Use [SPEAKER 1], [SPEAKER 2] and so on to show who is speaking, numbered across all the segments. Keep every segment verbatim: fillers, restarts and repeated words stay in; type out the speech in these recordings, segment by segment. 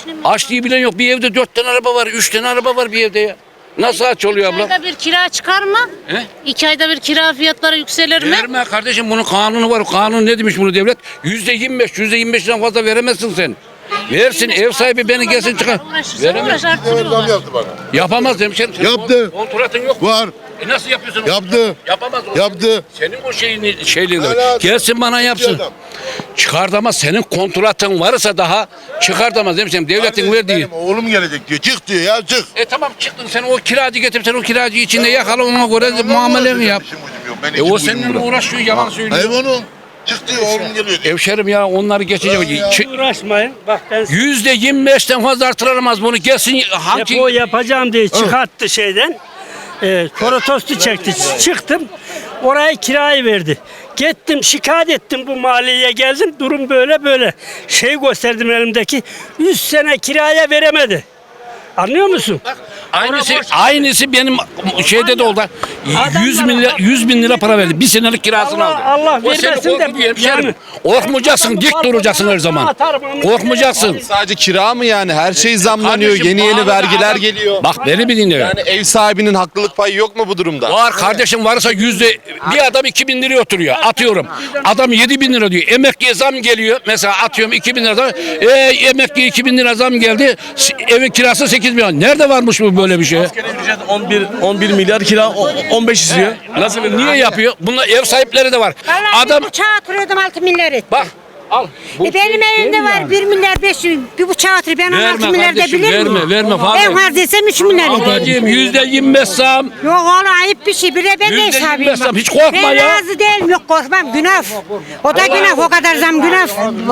[SPEAKER 1] geçinemiyor.
[SPEAKER 2] Aç diye bilen yok. Bir evde dört tane araba var, üç tane araba var bir evde ya. Nasıl aç oluyor abla?
[SPEAKER 1] İki ayda bir kira çıkar mı?
[SPEAKER 2] He?
[SPEAKER 1] İki ayda bir kira fiyatları yükselir mi?
[SPEAKER 2] Verme kardeşim, bunun kanunu var. Kanun ne demiş bunu devlet? Yüzde yirmi beş, yüzde yirmi beşten fazla veremezsin sen. Versin, ev sahibi beni gelsin çıkar. Veremez.
[SPEAKER 3] Zam yaptı bana.
[SPEAKER 2] Yapamaz hemşerim. Senin
[SPEAKER 3] Yaptı.
[SPEAKER 2] kontratın yok mu?
[SPEAKER 3] Var.
[SPEAKER 2] E nasıl yapıyorsun? onu?
[SPEAKER 3] Yaptı.
[SPEAKER 2] Yapamaz. o.
[SPEAKER 3] Yaptı.
[SPEAKER 2] Senin o şeyini şeyliğini.
[SPEAKER 3] Hala-
[SPEAKER 2] Gelsin bana yapsın.
[SPEAKER 3] adam.
[SPEAKER 2] Çıkartamaz. Senin kontratın varsa daha çıkartamaz hemşerim. Devletin
[SPEAKER 3] Kardeşim,
[SPEAKER 2] verdiği.
[SPEAKER 3] benim oğlum gelecek diyor. Çık diyor ya çık.
[SPEAKER 2] E tamam çıktın sen o kiracı getir, sen o kiracı içinde yakala, ona göre muameleni yap.
[SPEAKER 3] İşim gücüm yok. Ben
[SPEAKER 2] E o
[SPEAKER 3] işim gücüm
[SPEAKER 2] seninle
[SPEAKER 3] bırak.
[SPEAKER 2] uğraşıyor, yalan söylüyor.
[SPEAKER 3] Hayvanım. Çık diyor oğlum geliyor diyor.
[SPEAKER 2] Hemşerim ya onları geçecek.
[SPEAKER 3] Ya.
[SPEAKER 2] Çı-
[SPEAKER 4] Uğraşmayın. Bak ben size
[SPEAKER 2] Yüzde yirmi beşten fazla artıramaz bunu. Gelsin hangi...
[SPEAKER 4] depo yapacağım diye çıkarttı şeyden. E, protesto çekti. Çıktım. Oraya kirayı verdi. Gittim şikayet ettim, bu mahalleye geldim. Durum böyle böyle. Şey gösterdim elimdeki. yüz sene kiraya veremedi. Anlıyor musun?
[SPEAKER 2] Aynısı,
[SPEAKER 4] Oraya boş-
[SPEAKER 2] aynısı benim şeyde de oldu. yüz bin lira, yüz bin lira para verdi. Bir senelik kirasını
[SPEAKER 4] Allah-
[SPEAKER 2] aldı.
[SPEAKER 4] Allah
[SPEAKER 2] O seni
[SPEAKER 4] vermesin de
[SPEAKER 2] korkutuyor hemşerim.
[SPEAKER 4] yani.
[SPEAKER 2] Korkmayacaksın, dik duracaksın her zaman. Korkmayacaksın.
[SPEAKER 5] Sadece kira mı yani? Her şey zamlanıyor.
[SPEAKER 2] Kardeşim,
[SPEAKER 5] Yeni yeni
[SPEAKER 2] pahalı
[SPEAKER 5] vergiler
[SPEAKER 2] adam-
[SPEAKER 5] geliyor.
[SPEAKER 2] Bak beni bir dinle.
[SPEAKER 5] Yani ev sahibinin haklılık payı yok mu bu durumda?
[SPEAKER 2] Var kardeşim, varsa yüzde bir adam iki bin lira oturuyor. Atıyorum. Adam yedi bin lira diyor. Emekliye zam geliyor. Mesela atıyorum iki bin lira zam. E, emekliye iki bin lira zam geldi. S- Evin kirası sekiz milyon. Nerede varmış bu böyle bir şey?
[SPEAKER 6] on bir on bir milyar kira o- on beş istiyor.
[SPEAKER 2] Nasıl? Niye yapıyor? Bunlar ev sahipleri de var.
[SPEAKER 7] Vallahi
[SPEAKER 2] Adam
[SPEAKER 7] bir bıçağı oturuyordum altı milyar etti.
[SPEAKER 2] bak al. Bu
[SPEAKER 7] E benim
[SPEAKER 2] şey
[SPEAKER 7] evimde
[SPEAKER 2] değil
[SPEAKER 7] var
[SPEAKER 2] yani.
[SPEAKER 7] bir milyar beş yüz, bir bıçağı oturuyor. Ben on
[SPEAKER 2] Verme
[SPEAKER 7] altı milyar da
[SPEAKER 2] kardeşim,
[SPEAKER 7] bilir miyim?
[SPEAKER 2] verme, verme fazla.
[SPEAKER 7] En fazla desem üç milyar eder.
[SPEAKER 2] Ablacığım yüzde yirmi beş zam.
[SPEAKER 7] Yok oğlum ayıp bir şey. Bir de ben de
[SPEAKER 2] Yüzde yirmi
[SPEAKER 7] hesabıyım.
[SPEAKER 2] beş zam, hiç korkma
[SPEAKER 7] ben
[SPEAKER 2] ya.
[SPEAKER 7] Ben razı değilim. Yok korkmam. Günah. O da günah. O kadar zam günah.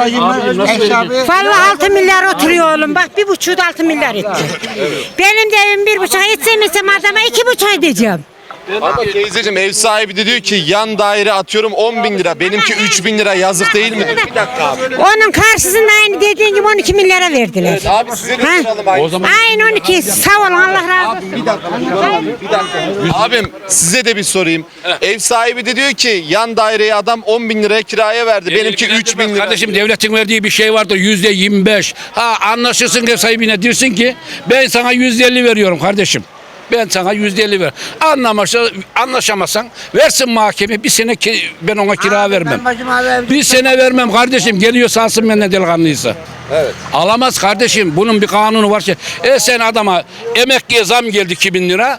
[SPEAKER 7] Vallahi altı milyar oturuyor oğlum. Bak bir buçuğu da altı milyar etti. Benim de evim bir buçuk etsem etsem adama iki buçuk edeceğim.
[SPEAKER 5] Ama teyzeciğim ev sahibi de diyor ki yan daire atıyorum on bin lira. Benimki üç bin lira, yazık değil mi? Bir dakika abi.
[SPEAKER 7] Onun karşısında aynı dediğin gibi on iki milyara verdiler.
[SPEAKER 5] Abi size de
[SPEAKER 7] Ha?
[SPEAKER 5] soralım aynı.
[SPEAKER 2] O zaman
[SPEAKER 7] Aynı on iki. Sağ olun Allah razı olsun.
[SPEAKER 5] Abim size de bir sorayım. Ev sahibi de diyor ki yan daireye adam on bin liraya kiraya verdi. Benimki üç bin lira.
[SPEAKER 2] Kardeşim devletin verdiği bir şey vardır yüzde yirmi beş. Ha anlaşırsın ev sahibine dersin ki ben sana yüzde elli veriyorum kardeşim. Ben sana yüzde elli ver. Anlamazsa, anlaşamazsan versin mahkeme bir sene ki, ben ona kira vermem. Bir sene vermem kardeşim. Geliyor alsın benden delikanlıysa.
[SPEAKER 5] Evet.
[SPEAKER 2] Alamaz kardeşim. Bunun bir kanunu var ki. E sen adama emekliye zam geldi iki bin lira.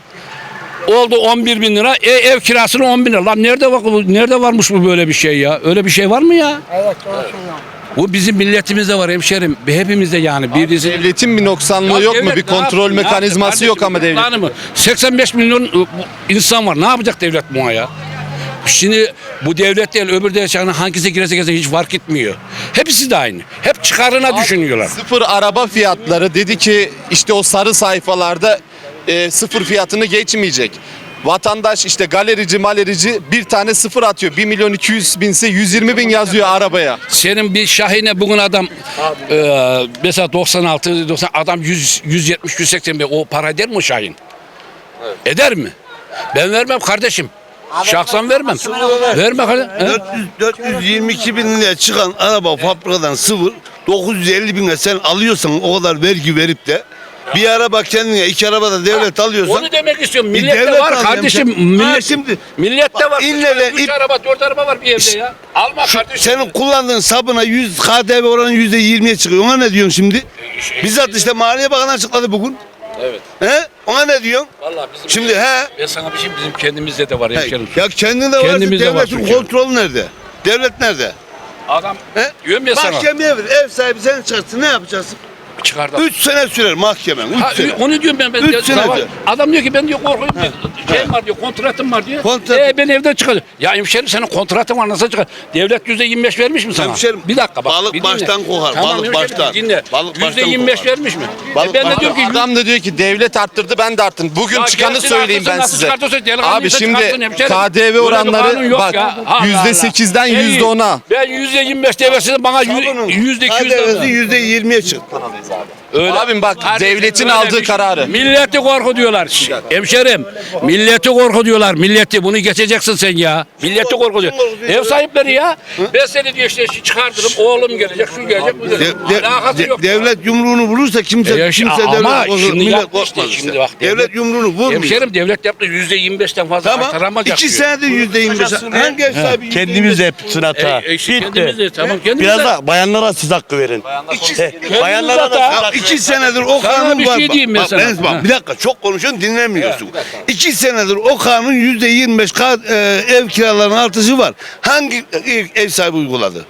[SPEAKER 2] Oldu on bir bin lira. E, ev kirasını on bin lira. Lan nerede var, nerede varmış bu böyle bir şey ya? Öyle bir şey var mı ya? Evet. Bu bizim milletimizde var hemşerim. Hepimizde yani. Birisi...
[SPEAKER 5] Devletin bir noksanlığı yok mu?
[SPEAKER 2] devlet
[SPEAKER 5] Bir
[SPEAKER 2] ne
[SPEAKER 5] kontrol
[SPEAKER 2] yapsın? Ne
[SPEAKER 5] mekanizması
[SPEAKER 2] yapsın
[SPEAKER 5] yok ama
[SPEAKER 2] kardeşim?
[SPEAKER 5] devlet.
[SPEAKER 2] Planı mı? seksen beş milyon ı, bu insan var. Ne yapacak devlet buna ya? Şimdi bu devlet değil öbür devlet hangisi girese girse hiç fark etmiyor. Hepsi de aynı. Hep çıkarına düşünüyorlar.
[SPEAKER 5] Sıfır araba fiyatları dedi ki işte o sarı sayfalarda e, sıfır fiyatını geçmeyecek. Vatandaş işte galerici malerici bir tane sıfır atıyor. bir milyon iki yüz binse yüz yirmi bin yazıyor arabaya.
[SPEAKER 2] Senin bir Şahin'e bugün adam e, mesela doksan altı doksan adam yüz yüz yetmiş yüz seksen bir o para eder mi o Şahin? Eder mi? Ben vermem kardeşim. Şahsen vermem. Verme kardeşim. He?
[SPEAKER 8] dört yüz, dört yüz yirmi iki bin liraya çıkan araba fabrikadan sıfır dokuz yüz elli bine sen alıyorsan o kadar vergi verip de bir araba kendine iki araba da devlet alıyorsan
[SPEAKER 2] Onu demek istiyorum.
[SPEAKER 8] bir
[SPEAKER 2] Millette
[SPEAKER 8] devlet
[SPEAKER 2] var
[SPEAKER 8] al
[SPEAKER 2] kardeşim.
[SPEAKER 8] diyeceğim.
[SPEAKER 2] Millet,
[SPEAKER 8] Ha, şimdi
[SPEAKER 2] millette var.
[SPEAKER 8] ille de
[SPEAKER 2] Üç
[SPEAKER 8] ip-
[SPEAKER 2] araba, dört araba var bir evde ya. Alma kardeşim.
[SPEAKER 8] senin kullandığın sabına yüz K D V oranı yüzde yirmiye çıkıyor. Ona ne diyorsun şimdi? Bizzat işte Maliye Bakanı açıkladı bugün.
[SPEAKER 2] Evet.
[SPEAKER 8] He? Ona ne diyorsun?
[SPEAKER 2] Vallahi bizim
[SPEAKER 8] Şimdi he?
[SPEAKER 2] ben sana bir şey bizim kendimizde de var
[SPEAKER 8] He,
[SPEAKER 2] hemşerim.
[SPEAKER 8] ya kendinde varsa
[SPEAKER 2] Kendimizde var
[SPEAKER 8] devletin
[SPEAKER 2] çünkü.
[SPEAKER 8] kontrolü nerede? Devlet nerede?
[SPEAKER 2] Adam
[SPEAKER 8] He?
[SPEAKER 2] diyorum ya sana.
[SPEAKER 8] Mahkemeye ver. Ev sahibi sen çıkarsın ne yapacaksın?
[SPEAKER 2] Çıkardı.
[SPEAKER 8] Üç sene sürer mahkemen. Üç
[SPEAKER 2] Ha,
[SPEAKER 8] sene.
[SPEAKER 2] onu diyorum ben. ben
[SPEAKER 8] Üç
[SPEAKER 2] diyor,
[SPEAKER 8] sene
[SPEAKER 2] zaman-
[SPEAKER 8] diyor.
[SPEAKER 2] Adam diyor ki ben diyor korkuyorum. Şey var diyor kontratım var diyor.
[SPEAKER 8] Kontrat-
[SPEAKER 2] E, ben evden çıkacağım. Ya hemşerim senin kontratın var nasıl çıkar? Devlet yüzde yirmi beş vermiş mi sana?
[SPEAKER 8] Hemşerim,
[SPEAKER 2] bir dakika bak.
[SPEAKER 8] balık
[SPEAKER 2] bir dinle.
[SPEAKER 8] baştan kokar,
[SPEAKER 2] Tamam,
[SPEAKER 8] balık
[SPEAKER 2] hemşerim,
[SPEAKER 8] baştan.
[SPEAKER 2] Dinle.
[SPEAKER 8] Balık
[SPEAKER 2] yüzde
[SPEAKER 8] baştan
[SPEAKER 2] yirmi beş
[SPEAKER 8] kokar.
[SPEAKER 2] vermiş mi?
[SPEAKER 8] Balık
[SPEAKER 2] e, ben de
[SPEAKER 8] baştan
[SPEAKER 2] diyorum ki
[SPEAKER 5] Adam da diyor ki devlet arttırdı ben de arttırdım. Bugün
[SPEAKER 2] Ya
[SPEAKER 5] çıkanı
[SPEAKER 2] gelsin
[SPEAKER 5] söyleyeyim
[SPEAKER 2] arttırsın,
[SPEAKER 5] ben
[SPEAKER 2] nasıl
[SPEAKER 5] size.
[SPEAKER 2] çıkartırsa delikanlıysa
[SPEAKER 5] Abi şimdi
[SPEAKER 2] çıkartsın hemşerim.
[SPEAKER 5] K D V
[SPEAKER 2] Böyle bir kanun
[SPEAKER 5] oranları
[SPEAKER 2] yok
[SPEAKER 5] bak
[SPEAKER 2] ya. Allah
[SPEAKER 5] yüzde sekizden
[SPEAKER 2] Allah.
[SPEAKER 5] yüzde ona.
[SPEAKER 2] Ben yüzde yirmi beş devresini bana yüzde iki yüz
[SPEAKER 8] K D V'si yüzde yirmiye çıktı.
[SPEAKER 2] Öyle.
[SPEAKER 5] Abim bak,
[SPEAKER 2] Kardeşim,
[SPEAKER 5] devletin
[SPEAKER 2] öyle
[SPEAKER 5] aldığı
[SPEAKER 2] bir şey-
[SPEAKER 5] kararı.
[SPEAKER 2] Milleti korku diyorlar. Şş, Hemşerim, milleti korku diyorlar. Milleti bunu geçeceksin sen ya. Milleti korku diyor. Ev sahipleri ya. Ben seni diyor işte çıkartırım. Oğlum gelecek, şu gelecek, bu
[SPEAKER 8] De-
[SPEAKER 2] gelecek.
[SPEAKER 8] de-
[SPEAKER 2] Alakası
[SPEAKER 8] de-
[SPEAKER 2] yok.
[SPEAKER 8] devlet yumruğunu vurursa kimse
[SPEAKER 2] E ya şi-
[SPEAKER 8] kimse
[SPEAKER 2] ama
[SPEAKER 8] devlet korkmaz,
[SPEAKER 2] şimdi
[SPEAKER 8] millet
[SPEAKER 2] yaptı
[SPEAKER 8] korkmaz
[SPEAKER 2] işte,
[SPEAKER 8] işte.
[SPEAKER 2] şimdi bak,
[SPEAKER 8] devlet,
[SPEAKER 2] devlet-
[SPEAKER 8] yumruğunu vurmuyor.
[SPEAKER 2] Hemşerim devlet yaptı yüzde yirmi beşten fazla
[SPEAKER 8] Tamam.
[SPEAKER 2] artıramayacak
[SPEAKER 8] İki
[SPEAKER 2] diyor.
[SPEAKER 8] senedir yüzde yirmi beş. Hangi ev sahibi yüzde yirmi beş?
[SPEAKER 6] Kendimiz de hepsini hata.
[SPEAKER 2] E, e, işte
[SPEAKER 6] Bitti.
[SPEAKER 2] kendimiz de tamam kendimiz
[SPEAKER 6] Biraz
[SPEAKER 2] de.
[SPEAKER 6] da bayanlara siz hakkı verin. He, bayanlara da
[SPEAKER 2] hata.
[SPEAKER 6] siz
[SPEAKER 8] Ya
[SPEAKER 6] hakkı
[SPEAKER 8] iki senedir o
[SPEAKER 2] Sana
[SPEAKER 8] kanun
[SPEAKER 2] bir
[SPEAKER 8] var.
[SPEAKER 2] şey
[SPEAKER 8] Bak,
[SPEAKER 2] diyeyim
[SPEAKER 8] bak,
[SPEAKER 2] mesela.
[SPEAKER 8] Enes bak,
[SPEAKER 2] Ha.
[SPEAKER 8] bir dakika çok konuşuyorsun dinlemiyorsun. İki senedir o kanun yüzde yirmi beş ka- e, ev kiralarının artışı var. Hangi e, ev sahibi uyguladı?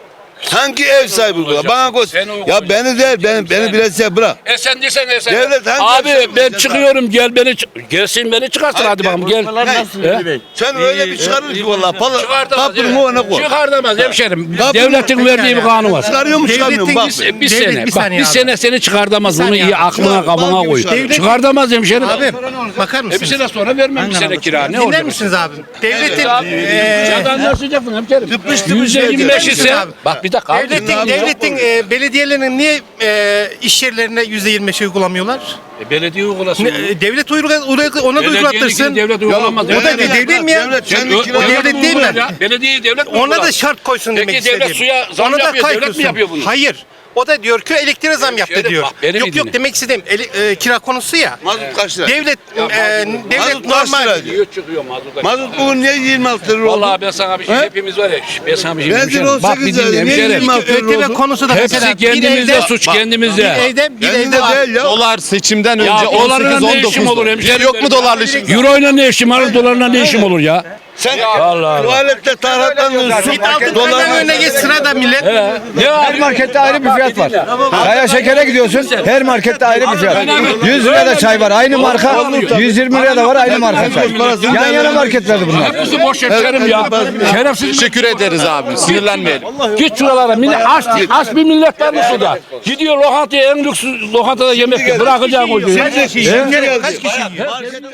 [SPEAKER 8] Hangi ev sahibi uyguladı? Bana koy.
[SPEAKER 2] Sen
[SPEAKER 8] Ya
[SPEAKER 2] uygulayacaksın.
[SPEAKER 8] beni değil, beni, beni biraz şey bırak.
[SPEAKER 2] E sen desen e sen.
[SPEAKER 8] Devlet hangi
[SPEAKER 2] Abi
[SPEAKER 8] yapacak
[SPEAKER 2] ben
[SPEAKER 8] mesela?
[SPEAKER 2] çıkıyorum gel beni çık- gelsin beni çıkarsın
[SPEAKER 8] Hayır,
[SPEAKER 2] hadi
[SPEAKER 8] gel.
[SPEAKER 2] bakalım gel.
[SPEAKER 6] Bunlar nasıl
[SPEAKER 2] He?
[SPEAKER 6] Veli Bey?
[SPEAKER 8] Sen öyle bir çıkarır ki valla. Pala,
[SPEAKER 2] Çıkartamaz.
[SPEAKER 8] kapının ona koy.
[SPEAKER 2] Çıkartamaz hemşerim.
[SPEAKER 8] Kapının-
[SPEAKER 2] Devletin verdiği bir kanun var.
[SPEAKER 8] Çıkarıyor mu çıkarmıyor mu? Bak.
[SPEAKER 2] Bir, bir
[SPEAKER 9] Devlet,
[SPEAKER 2] sene.
[SPEAKER 9] bir
[SPEAKER 2] bak
[SPEAKER 9] saniye
[SPEAKER 2] bir
[SPEAKER 9] abi.
[SPEAKER 2] sene seni çıkartamaz. Bunu iyi aklına
[SPEAKER 8] Çıkar,
[SPEAKER 2] kabına
[SPEAKER 8] bal gibi
[SPEAKER 2] koy.
[SPEAKER 8] çıkar.
[SPEAKER 2] Çıkartamaz hemşerim.
[SPEAKER 9] Abi bakar
[SPEAKER 2] E bir
[SPEAKER 9] mısınız?
[SPEAKER 2] sene sonra vermem bir sene kira. Ne
[SPEAKER 9] Dinler
[SPEAKER 2] olacak?
[SPEAKER 9] misiniz abi? Devletin
[SPEAKER 2] Abi,
[SPEAKER 9] eee,
[SPEAKER 2] Sen anlaşacaksın hemşerim.
[SPEAKER 8] Tıpış tıpış
[SPEAKER 2] Yüzde yirmi beş
[SPEAKER 8] gelecek.
[SPEAKER 2] ise bak bir dakika. abi.
[SPEAKER 9] devletin
[SPEAKER 8] abi,
[SPEAKER 9] devletin eee, belediyelerinin niye eee, iş yerlerine yüzde yirmi beş uygulamıyorlar?
[SPEAKER 2] E, belediye uygulasın.
[SPEAKER 9] Ne, e, devlet uygula, uygula- ona da
[SPEAKER 2] Belediyenin
[SPEAKER 9] uygulatırsın.
[SPEAKER 2] devlet uygulamaz.
[SPEAKER 9] o da
[SPEAKER 8] Devlet-
[SPEAKER 9] bir devlet mi ya?
[SPEAKER 8] Devlet
[SPEAKER 2] Sen
[SPEAKER 8] kendi
[SPEAKER 2] ö-
[SPEAKER 8] kira-
[SPEAKER 9] o devlet değil mi?
[SPEAKER 2] Ya, belediye devlet mi
[SPEAKER 9] Ona
[SPEAKER 2] uygular?
[SPEAKER 9] da şart koysun
[SPEAKER 2] Peki
[SPEAKER 9] demek
[SPEAKER 2] devlet
[SPEAKER 9] istediğim.
[SPEAKER 2] suya zam
[SPEAKER 9] Ona da
[SPEAKER 2] yapıyor, devlet mi
[SPEAKER 9] kaykılsın.
[SPEAKER 2] yapıyor bunu?
[SPEAKER 9] Hayır. O da diyor ki elektriğe zam yaptı
[SPEAKER 2] Şöyle
[SPEAKER 9] diyor.
[SPEAKER 2] bak, beni
[SPEAKER 9] Yok
[SPEAKER 2] bir
[SPEAKER 9] yok
[SPEAKER 2] dinle.
[SPEAKER 9] demek istediğim eli- e, kira konusu ya.
[SPEAKER 8] Mazot kaç lira?
[SPEAKER 9] Devlet e, devlet
[SPEAKER 8] Mazot kaç
[SPEAKER 9] normal.
[SPEAKER 8] lira diyor?
[SPEAKER 2] Diyor çıkıyor mazluda.
[SPEAKER 8] Mazot bugün niye yirmi altı lira oldu?
[SPEAKER 2] Vallahi ben sana bir şey
[SPEAKER 8] He?
[SPEAKER 2] hepimiz var ya. Ben sana bir şey
[SPEAKER 8] Benzin
[SPEAKER 2] hemşerim.
[SPEAKER 8] on
[SPEAKER 2] Bak bir
[SPEAKER 8] sekiz
[SPEAKER 2] dinle
[SPEAKER 8] lira, niye
[SPEAKER 2] hemşerim.
[SPEAKER 8] yirmi altı lira
[SPEAKER 9] ÖTV
[SPEAKER 8] oldu?
[SPEAKER 9] konusu da
[SPEAKER 2] Hepsi
[SPEAKER 9] mesela bir
[SPEAKER 2] kendimizde
[SPEAKER 9] evde-
[SPEAKER 2] suç
[SPEAKER 9] bak,
[SPEAKER 2] kendimizde.
[SPEAKER 9] Bir evde bir
[SPEAKER 8] Kendinde
[SPEAKER 9] evde var.
[SPEAKER 8] değil ya.
[SPEAKER 5] Dolar seçimden önce
[SPEAKER 2] Ya dolarla
[SPEAKER 5] on sekiz
[SPEAKER 2] ne işim
[SPEAKER 5] on
[SPEAKER 2] olur
[SPEAKER 5] dokuzdu.
[SPEAKER 2] hemşerim?
[SPEAKER 5] Yok mu dolarla işin?
[SPEAKER 2] Euro ile ne işim var? Dolarla ne işim olur ya?
[SPEAKER 8] Sen
[SPEAKER 2] Allah.
[SPEAKER 8] tuvalette taraklanıyorsun.
[SPEAKER 9] Git altın
[SPEAKER 8] Dolar
[SPEAKER 9] doların önüne geç sırada millet.
[SPEAKER 2] Ya
[SPEAKER 10] Her markette ayrı bir fiyat var. Kaya şekere gidiyorsun, her markette ayrı bir fiyat. yüz liraya da çay var, aynı marka. yüz yirmi liraya da var, aynı marka çay. Yan yana marketlerde bunlar.
[SPEAKER 2] hepsi boş hemşerim ya. Şerefsiz.
[SPEAKER 5] Teşekkür ederiz abi. Sinirlenmeyelim.
[SPEAKER 2] Git şuralara. Millet, aç, aç bir millet var mı şurada? Gidiyor lokantaya en lüks lokantada yemek yiyor. Bırakacağım o şeyi.
[SPEAKER 8] Kaç kişi?